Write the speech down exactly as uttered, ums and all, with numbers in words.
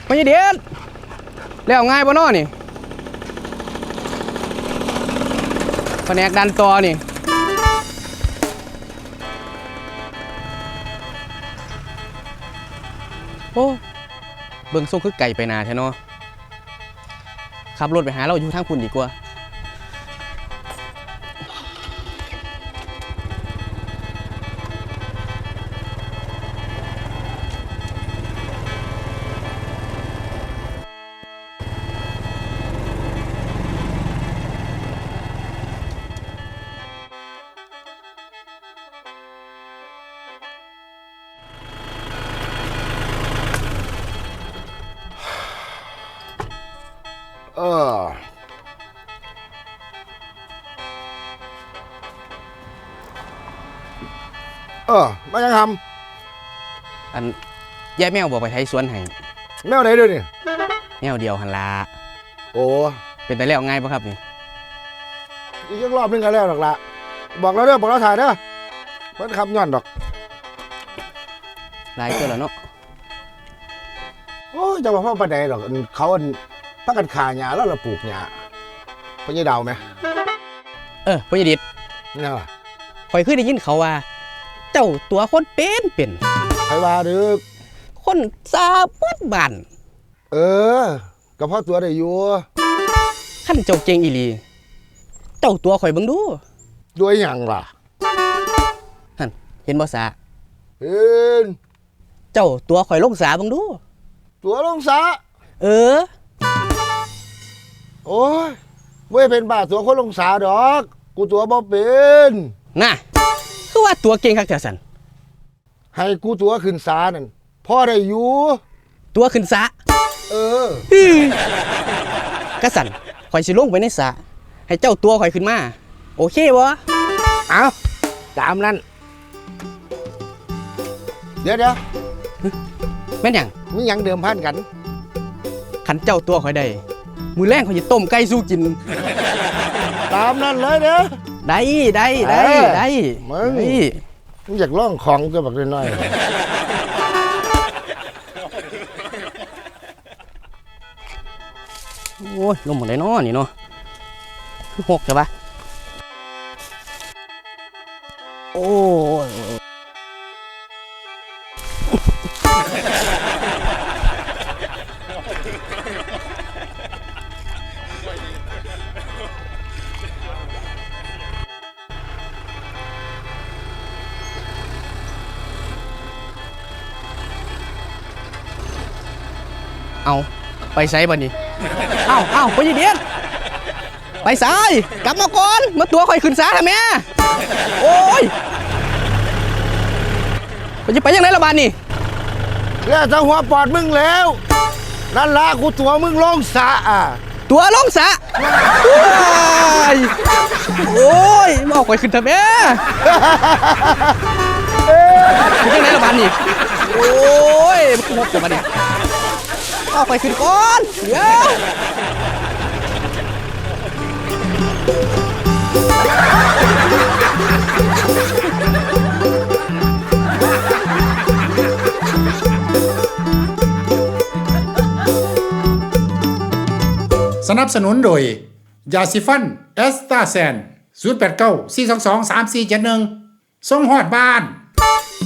ไม่ใช่เด็ดแล้วง่ายปะน้อนี่แผนกดันต่อนี่โอ้เบิ่งโซ่คือไก่ไปนาแท้เนาะขับรถไปหาเราอยู่ทางคุณดีกว่าเออเออมายังทำอันแย่แมวบอกไปไทยสวนให้ำแมวไหนด้วยนี่แมวเดียวหันลาโอ้เป็นแต่แล้วง่ายปะครับนี่อีกรอบนึงกันแล้วหรอกละบอกเราเด้อบอกเราถ่ายเด้อมันคำย้อนดอกลายเกินแล้วเนาะโอ้จะมาพ่อประเดี๋ยวหรอกเขาพักกันขาหญ้าแล้วเราปลูกหญ้าเป็นยังดาวไหมเออพ่อใหญ่ดิดนี่ล่ะคอยขึ้นได้ยินเขาว่าเจ้าตัวคนเป็นเป็นใครว่าดึกคนซาปุ๊บบันเออก็เพราะตัวได้อยู่ขั้นเจ้าเก่งอีลีเจ้าตัวข่อยเบิ่งดูด้วยหยังล่ะฮั่นเห็นบ่สาเห็นเจ้าตัวข่อยลงสาเบิ่งดูตัวลงสาเออโอ้ยไม่เป็นบ้าตัวคนลงสาดอกกูตัวบ่เป็นน่ะคือว่าตัวเก่งคักแท้สันให้กูตัวขึ้นสานั่นพ่อได้อยู่ตัวขึ้นสาเออกระสันข่อยสิลงไปในสาให้เจ้าตัวข่อยขึ้นมาโอเคบ่เอาตามนั้นเดี๋ยวเดี๋ยวแม่นหยังมีหยังเดิมพันกันขันเจ้าตัวข่อยได้มือแรงข่อยจะต้มไก่สู้กินตามนั้นเลยเด้อได้ได้ได้ได้มึงมึงอยากล่องของก็แบบน้อยๆโอ้ยลมหมดเลยเนาะนี่เนาะคือหกใช่ปะโอ้ยเอาไปไซบ่นี่เอาเอาไปยีเดียนไปซ้ายกลับมาก่อนมาตัวคอยขึ้นซ้ายทำไมโอ้ยไปจะไปยังไงละบานนี่แล้วจะหัวปอดมึงแล้วนั่นละกูตัวมึงลงสะอ่ะตัวลงสะโอ้ยมาเอาคอยขึ้นทำไมไปยังไงละบานนี่โอ้ยมันหมดจะมาดิเอาไปขึ้นก่อนเดี๋ยวสนับสนุนโดยยาสีฟันเอสตาแซนศูนย์ แปด เก้า สี่ สอง สอง สาม สี่ เจ็ด หนึ่งส่งฮอดบ้าน